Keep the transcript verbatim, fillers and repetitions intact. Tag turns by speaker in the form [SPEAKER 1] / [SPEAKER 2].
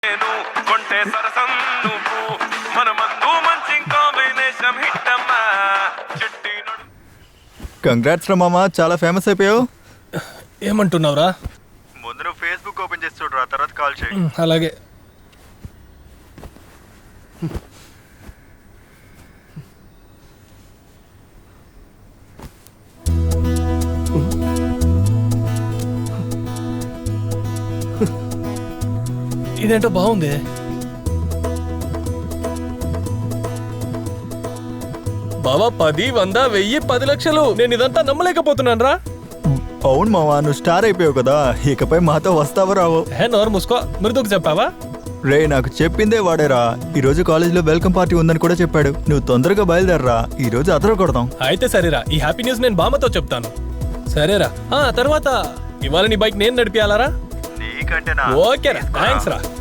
[SPEAKER 1] Congrats రా మామ, చాలా ఫేమస్ అయిపోయావు.
[SPEAKER 2] ఏమంటున్నావురా?
[SPEAKER 1] ముందు నువ్వు ఫేస్బుక్ ఓపెన్ చేసి చూడరా, తర్వాత కాల్ చేయి.
[SPEAKER 2] అలాగే. ఇదేంటో బాగుంది. బావా, పది వంద వెయ్యి పది లక్షలు నేను ఇదంతా నమ్మలేకపోతున్నాను రా.
[SPEAKER 1] అవును మావా, నువ్వు స్టార్ అయిపోయావు కదా, ఇకపై మాతో వస్తావో రావో.
[SPEAKER 2] హే నోరు మూసుకో, మృదుకు చెప్పావా?
[SPEAKER 1] రే, నాకు చెప్పిందే వాడేరా. ఈ రోజు కాలేజీలో వెల్కమ్ పార్టీ ఉందని కూడా చెప్పాడు. నువ్వు తొందరగా బయలుదేరరా, ఈ రోజు అదర కొడతాం.
[SPEAKER 2] అయితే సరేరా, ఈ హ్యాపీ న్యూస్ నేను బామ్మతో చెప్తాను. సరేరా. ఆ తర్వాత ఇవాళ నీ బైక్ నేను నడిపియాలరా?
[SPEAKER 1] నీకంటే
[SPEAKER 2] ఓకేరా, థ్యాంక్స్ రా.